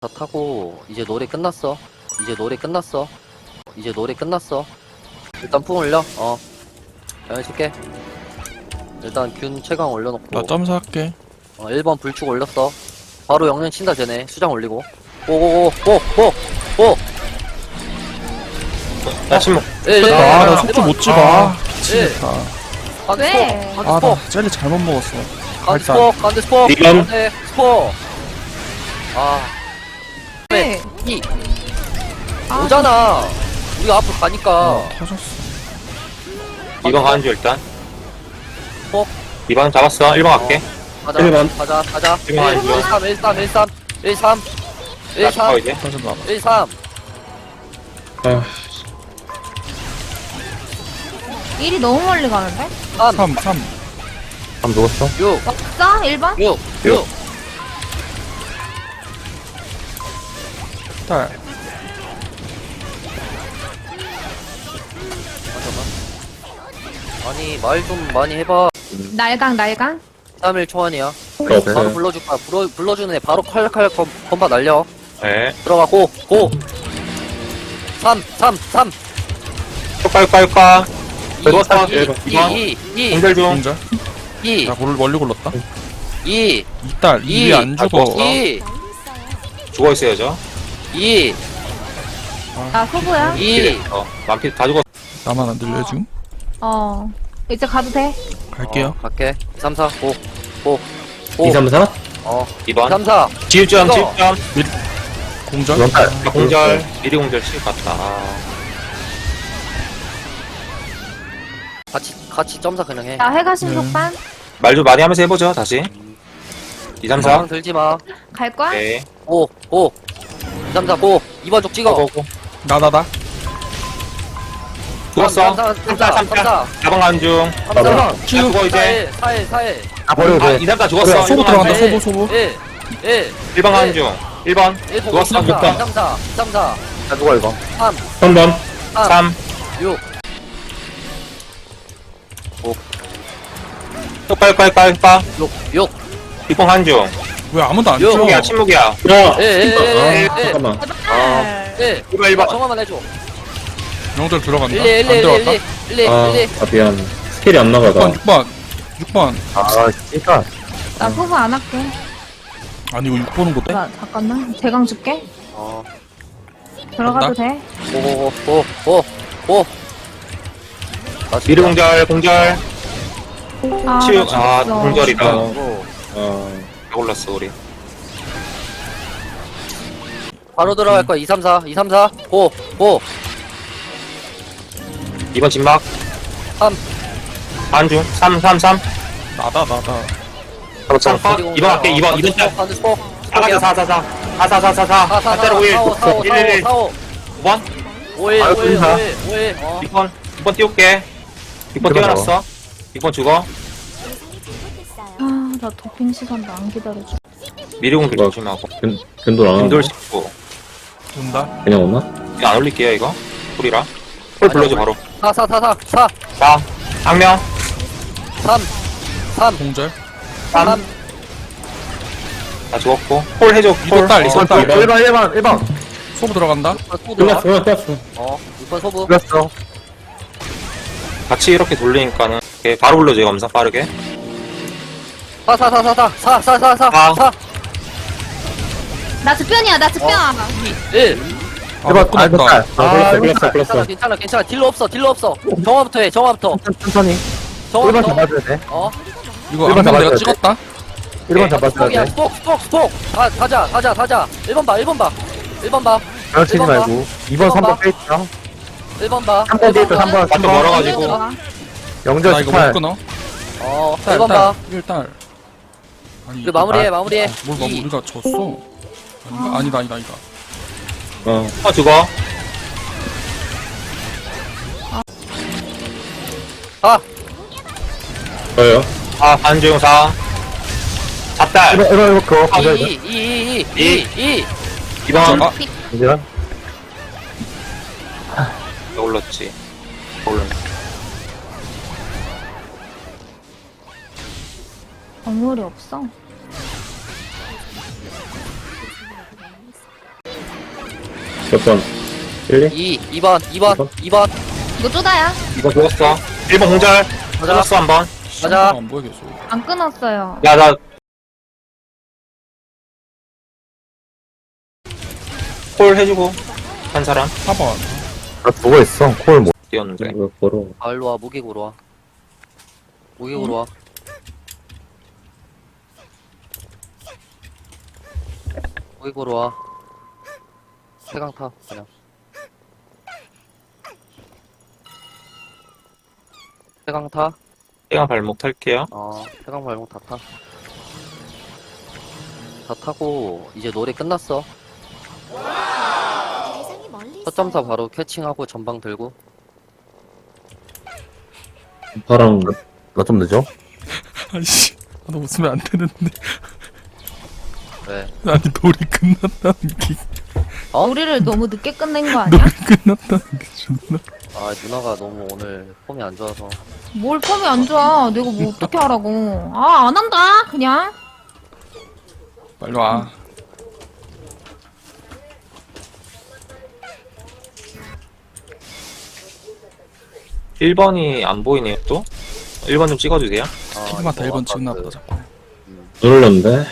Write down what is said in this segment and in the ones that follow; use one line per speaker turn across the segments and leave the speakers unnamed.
다 타고 이제 노래 끝났어. 이제 노래 끝났어. 이제 노래 끝났어. 일단 풍 올려. 해줄게. 일단 균 최강 올려놓고.
나 점사할게.
1번 불축 올렸어. 바로 영년 친다 쟤네. 수장 올리고. 오오오오오오.
나 침묵.
나 속도 못 찍어. 아,
예.
미치겠다.
왜?
아, 나 젤리 잘못 먹었어.
간드 스포. 간드 스포.
이건?
간드 스포.
네.
이. 오잖아. 우리가 앞으로 가니까.
터졌어.
2번 가는 줄 일단.
어?
2번 잡았어. 1번 갈게.
가자.
1번.
가자.
1번 가는 줄.
13.
나 잡아 이제.
터졌나 봐.
13.
일이 너무 멀리 가는데?
3.
3.
감 누웠어?
6.
없어? 1번?
6. 6.
딸.
아니 말 좀 많이 해봐.
날강
3일 초안이야.
없어요.
바로 불러줄까? 불러주는 애 바로 칼칼 건바 날려.
네.
들어가 고. 3.
효과. 누웠어.
2.
2번.
2.
공절 중.
공절.
2.
야, 멀리 굴렀다.
2.
이딸, 일이 안 죽어.
2.
죽어 있어야죠.
2.
나 소부야?
2.
만피 다 죽었어.
나만 안 들려, 지금?
이제 가도 돼?
갈게요.
갈게. 3, 4. 5.
2, 3, 4? 2번.
3, 4.
지읍점.
공절.
공절. 미리 공절 칠 같다.
같이 점사 그냥 해.
나 해가 신속반?
말 좀 많이 하면서 해보죠. 다시. 2, 3, 4.
상황 들지 마.
갈 거야?
네.
5. 2, 3, 4. 5. 2번 쪽 찍어.
고고고.
나다다.
죽었어.
3,
3, 4. 4번 가는 중.
3, 4.
죽어 이제.
4일.
아, 버려. 2, 3, 4 죽었어.
소부
1번
들어간다,
가는 중.
소부.
1
1번 가는 중. 1번.
1
죽었어.
3, 4. 3, 4.
나 죽어 이거.
3.
3번.
3.
3.
6.
효과.
6.
6번 가는 중.
왜 아무도 안
요.
찍어?
침묵이야.
1.
잠깐만.
1.
1번.
정화만 해줘.
명절 들어간다.
1.
안 들어갔다.
1.
미안. 스킬이 안 나가다.
6번.
진짜.
나 소부 안 할게.
아니, 이거 6 보는 것도?
잠깐만. 대강 줄게. 들어가도 돼?
5.
미리 공절. 치유.
나 죽었어.
공절이다.
어.
올랐어 우리.
바로 들어갈 거야. 2, 3, 4. 5.
2번 진막.
3.
반 중. 3.
나다.
3 컷. 2번 할게. 2번 짤.
반드 스포.
4. 4. 5. 1. 1. 5번.
5일.
6번 띄울게. 6번 띄워놨어. 6번 죽어.
나 도핑 시간도 안 기다려줘.
미리 공절 조심하고.
견돌 안
인돌
하나?
씹고.
온다.
그냥 오나?
이거 안 올릴게요 이거. 콜이라. 콜 불러줘 바로.
4.
4. 악명.
3.
공절.
3. 다 죽었고. 콜 해줘.
이거 딸.
1번.
소부 들어간다.
끝났어.
6번 소부.
끝났어.
같이 이렇게 돌리니까는 이렇게 바로 불러줘 검사 빠르게.
4.
나 즉변이야.
1.
아, 못 끊었다.
끝났어.
괜찮아. 딜러 없어. 정화부터 해.
천천히. 1번 잡아줘야 돼.
이거
일번
안면
잡아줘야
내가
돼.
찍었다.
1번 잡아줘야
스폭이야.
돼.
스폭. 가자. 1번 봐. 1번 봐.
그렇치지
일번 봐.
말고. 2번, 3번 페이트야.
1번 봐.
3번 페이트, 3번.
완전 멀어가지고.
영절
나 이거 못
18.
끊어.
1번 봐.
1딸. 아니,
그 마무리해.
뭘
2.
우리가 졌어? 아니다.
죽어.
4.
저요.
반중 4. 잡달.
1번 그거.
2.
2번.
아,
이제
올랐지. 올랐네.
건물이 없어.
몇 번? 1, 2?
2번 2번
이거 쪼다야.
이거 죽었어. 1번 공절. 끊었어, 한 번.
맞아.
안 보여 계속.
안 끊었어요.
야, 나. 콜 해주고. 한 사람.
4번.
나 죽어있어. 콜 못.
뛰었는데.
이거 걸어.
아 일로와 무기고로 와 무기고로 와 무기고로 와 세강 타 그냥 세강 타
시간 발목 탈게요.
세강 발목 다 타고 이제 노래 끝났어
대상이 멀리 있어요.
서점사 바로 캐칭하고 전방 들고
파랑. 나 좀 늦어?
아이씨. 나 웃으면 안 되는데.
왜
아니, 놀이 끝났다는 게.
우리를 너무 늦게 끝낸 거 아니야?
놀이 끝났다는 게 존나.
아 누나가 너무 오늘 폼이 안 좋아서
뭘 폼이 안 좋아. 내가 뭐 어떻게 하라고. 아, 안 한다. 그냥.
빨리 와.
일 1번이 안 보이네요, 또. 1번 좀 찍어주세요.
피드마다
이거
1번 찍나
아까
보다, 자꾸.
누르렸는데?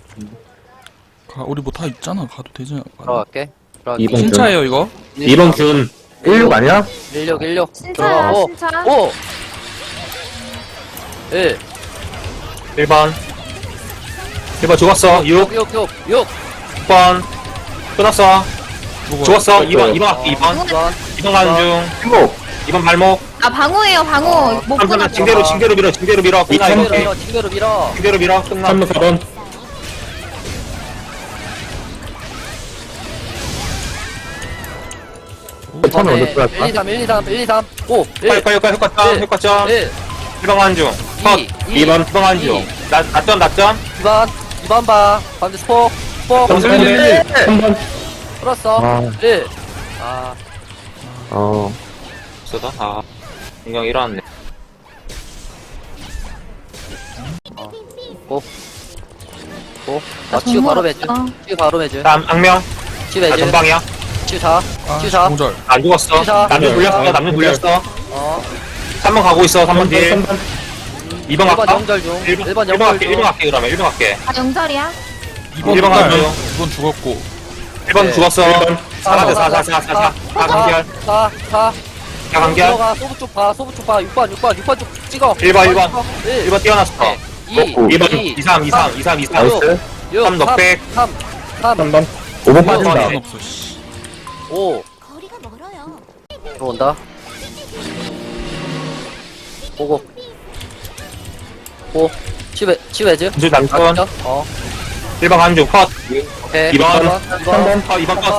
우리 뭐 다 있잖아. 가도 되지 않을까?
들어갈게
이번
진짜예요, 이거?
2번 균. 16 아니야?
16
신차야,
들어가
신차.
5 1
1번. 1번 죽었어. 6. 6번. 끊었어. 죽었어. 2번 할게, 2번. 2번 가는 중.
16.
2번 발목.
아, 방어예요, 방어. 못 끊었어.
징대로 밀어. 끝나, 이거.
징대로 밀어
징대로 밀어. 끝나.
3번 4번. 처음에 먼저 들어갈까?
1, 2, 3 5
효과점.
1
1번 가는 중. 컷. 2번 가는 중. 낮점.
2번 봐 반대 스포
점수
3번.
풀었어
아.
1
없어다. 아. 인형 일어났네.
치유 바로 매주
어.
치유 바로 매주
다음, 악명.
치유
나
매주
전방이야.
치유 4
아,
치유 4
공절.
안 죽었어.
시작.
남녀 굴렸어.
어
3번 가고 있어. 3번 딜. 2번
1번
갈까?
영절 중
1번
1번 영절
갈게. 1번
중
갈게, 그러면. 1번 갈게.
아, 영절이야?
2번
일번
딸.
가죠.
2번 죽었고.
1번
네.
죽었어. 4 간결.
4
4 간결.
들어가 소부 쪽봐 6번 쪽 찍어
1번.
1
1번 뛰어났어.
2
2번 2, 3.
나이스.
3 넉백.
3
3번. 5번
번.
빠진다.
상관 없어, 씨.
5
거리가 멀어요.
들어온다 보고 5 치외즈
이제 남건. 1번 가는 중. 컷.
오케이
2번.
2번
2번 컷.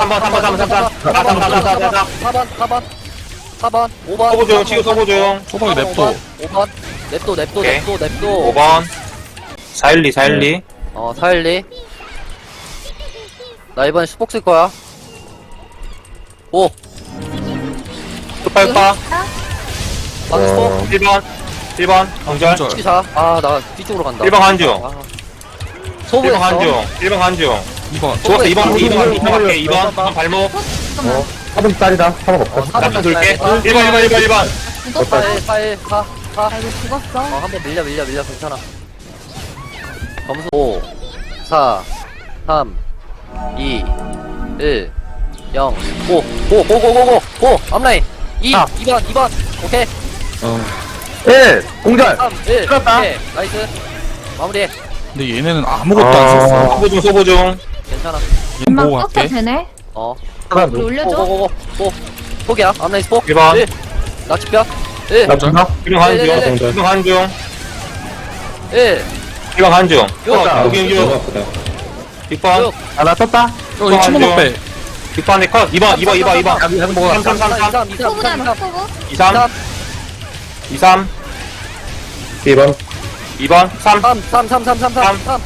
3번.
4번 5번
서보 중. 치고 서보 중.
소박이 냅둬.
5번 냅둬
오케이.
5번
5번. 412.
412 나 이번에 슈폭 쓸 거야 5
뚝발파.
방금 슈폭
1번. 정절.
공절.
14 아나 뒤쪽으로 간다
1번 가는 중.
아.
1번
소부했어
가는 중. 1번 가는 중.
2번.
죽었어. 2번
어,
갈게. 2번 발목.
잠깐만.
4번 딸이다. 4번 없다.
남편 돌게. 1번.
죽었어.
4 4
아, 이거 죽었어.
한번 밀려 괜찮아 점수 5 4 3 2 1 0 5 앞라인 2
아.
2번 오케이
1. 공절.
3 1
들었다.
오케이 나이스 마무리
근데 얘네는 아무것도 안 썼어.
소보 중.
괜찮아
얘
막
보고
떴어
갈게.
되네.
하나
우리
누.
올려줘.
포기야 앞라인 스포
1번.
낙지뼈 1
나 준다.
1번 가는 중.
네.
1번 가는 중.
1
1번 가는 중.
육.
여기 6번.
아, 나 떴다.
이 친구
안
먹배.
6번에 컷. 2번.
여기 해서 먹어.
3
소부잖아, 소부.
23. 23.
2번.
2번. 3.
3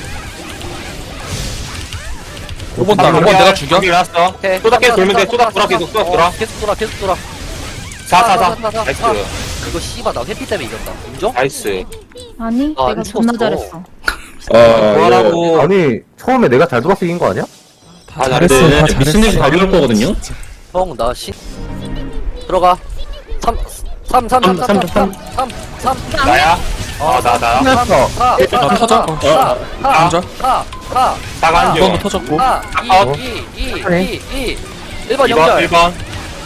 5번 딸. 5번 내가 죽여.
일어났어.
오케이
또 계속 돌면 돼. 또 돌아. 계속 돌아.
계속 돌아
4. 나이스.
이거 씨발 나 회피 때문에 이겼다 인정?
나이스.
아니,
아,
내가
미쳤어.
존나 잘했어.
뭐하라고.
아니, 처음에 내가 잘 돌아서 이긴 거 아니야?
다
아,
잘했어.
나는
다 잘했어.
미스님 달려올 거거든요?
형, 나 들어가. 3, 3, 3, 3, 3, 3, 3, 3,
나야? 나야?
끝났어.
4,
나 터져. 어. 감자.
4, 4,
나간
이번도 터졌고.
4, 2, 2, 1번
2번,
연결.
1번.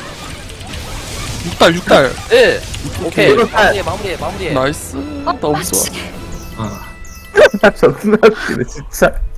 6달.
1. 오케이.
이번 팔.
마무리해.
나이스. 너무 좋아.
존나 웃기네, 진짜.